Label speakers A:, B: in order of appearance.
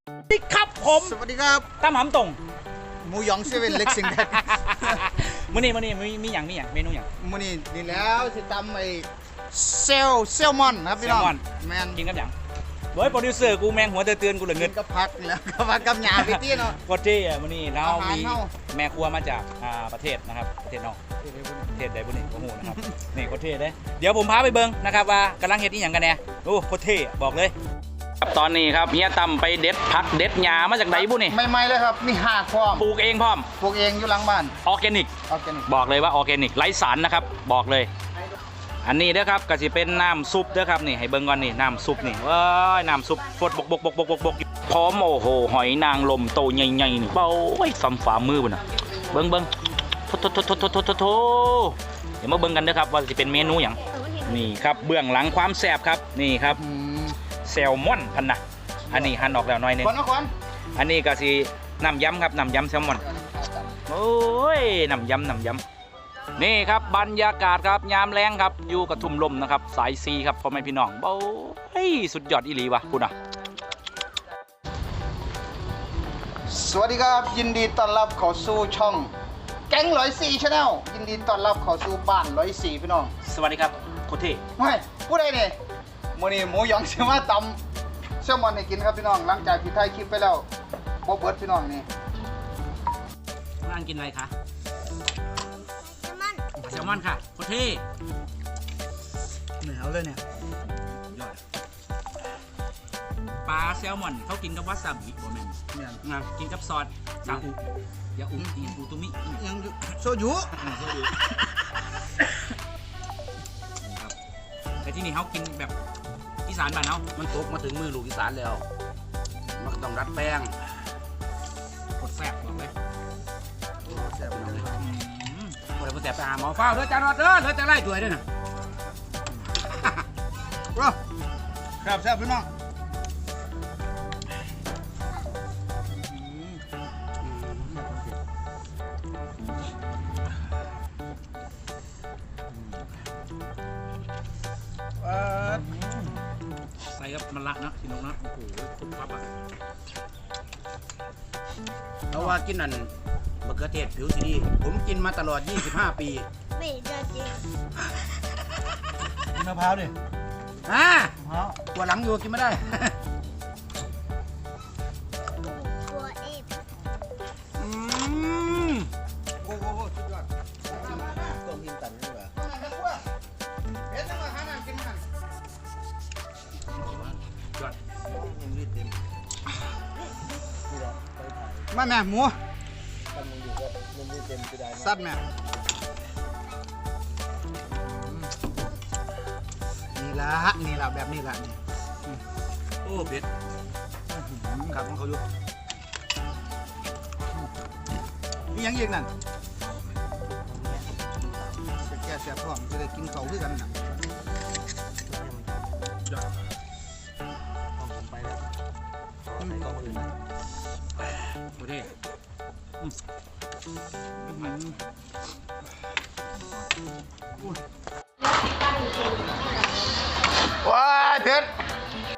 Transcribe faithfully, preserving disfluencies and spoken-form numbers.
A: สวัสดีครับผม
B: สวัสดีครับ
A: ตั้มหำตรง
B: หมูหยองเซเว่นเล็กซิงแดด
A: มื้อนี้มื้อนี้มีมีอย่างมีอย่างเมนูอย่าง
B: มื้อนี้นี่แล้วสิตำไอ้เซลเซลมอนครับพี่น้องแมน
A: กินกับอย่างเฮ้ยโปรดิวเซอร์กูแมงหัวเตือนกูเหลือเงิน
B: กับผักแล้วก็ผักกับหญ้าพี่ตี้เนาะ
A: โคตรเท่อะมื้อนี้เรามีแม่ครัวมาจากอ่าประเทศนะครับประเทศนอกประเทศใดบุนี่โอ้โหนะครับนี่โคตรเท่เลยเดี๋ยวผมพาไปเบิ่งนะครับว่ากำลังเฮ็ดอีหยังกันแน่โอ้โคตรเท่บอกเลยตอนนี้ครับเฮียตั้มไปเด็ดผักเด็ดหญ้ามาจากไหนบุนี่
B: ใหม่ๆเลยครับมีหากพร้อม
A: ปลูกเองพร้อม
B: ปลูกเองอยู่หลังบ้าน
A: ออร์แกนิก
B: ออร์แกนิก
A: บอกเลยว่าออร์แกนิกไร้สารนะครับบอกเลยอันนี้เด้อครับก็จะเป็นน้ำซุปเด้อครับนี่ให้เบิ่งก่อนนี่น้ำซุปนี่ว้ายน้ำซุปฟดบกบกบกบกบกบกพร้อมโอ้โหหอยนางรมโตใหญ่ๆนี่เบ้าไอ้ฝ่าฝ่ามือบุ่นนะเบิ่งเบิ่งโทโทโทโทโทโทโทเดี๋ยวมาเบิ่งกันเด้อครับว่าจะเป็นเมนูอย่างนี่ครับเบื้องหลังความแซ่บครับนี่ครับแซลมอนพันนะอันนี้หั่นออกแล้วหน่อยนึงอันนี้ก็สิน้ำยำครับน้ำยำแซลมอนโอ้ยน้ำยำน้ำยำนี่ครับบรรยากาศครับยามแรงครับอยู่กับทุ่มลมนะครับสายซีครับพ่อแม่พี่น้องเบ้าเฮ้ยสุดยอดอีหลีวะคุณอ่ะ
B: สวัสดีครับยินดีต้อนรับเข้าสู่ช่องแก๊งร้อยสี่ชาแนลยินดีต้อนรับเข้าสู่บ้านร้อยสี่พี่น้อง
A: สวัสดีครับโคเท
B: ไม่ผู้ใดเนี่ยมื้อนี้หมูหยองสิมาตำแซลมอนให้กินครับพี่น้องหลังจากที่ถ่ายคลิปไปแล้วบ่เบิดพี่น้องนี่
A: ร้านกินอะไรคะแซลมอนค่ะโคเท
B: เหนียวเลยเนี่ย
A: ยอดปลาแซลมอนเขากินกับวาซาบิบ่แม่นเนี่ยนะกินกับซอสซาอุยาอุอีอูตุมิ
B: ยังโซยุ
A: โซยุครับแต่ที่นี่เขากินแบบอีสานบ้านเขา
C: มันตกมาถึงมือลูกอีสานแล้วมันก็ต้องรัดแป้ง
A: กดแซ่บบอกเลย
C: แซ่บเลยโอ้ยมันแซ่บไปหาหมอเฝ้าเด้อจานรอดเด้อเด้อจะไล่ด้วยด้วยนะ
B: ว้าแซ่บแซ่บพี่น้อง
A: ใส่กับมันละนะพี่น้องนะโอ้โหคุณครับอ่ะ
C: เพราะว่ากินนั่นมะเขือเทศผิวสีดีผมกินมาตลอดยี่สิบห้าปี
D: ไม่ได้จริง
B: กินมะพร้าวดิ
C: อ่าตัวหลังอยู่กินไม่ได้
D: ตัวเอฟ
C: อืม
B: โอ้โหสุดยอดต้มหินตันนี่แหละเฮ็ดจังหวะหาน้ำกินมัน
A: ยอด
B: มาแม่หมูซัดแม่นี่ละนี่ละแบบนี้ละนี่
C: โอ้เผ็ด
B: ครับของเขาอยู่มียังอีกนั่นจะแก้เสียพร้อมจะได้กินเขาด้วยกันนะ
C: ผมไปแล้วใส่กล้องอื่น
A: โคเท
B: ว้ายเผ็ด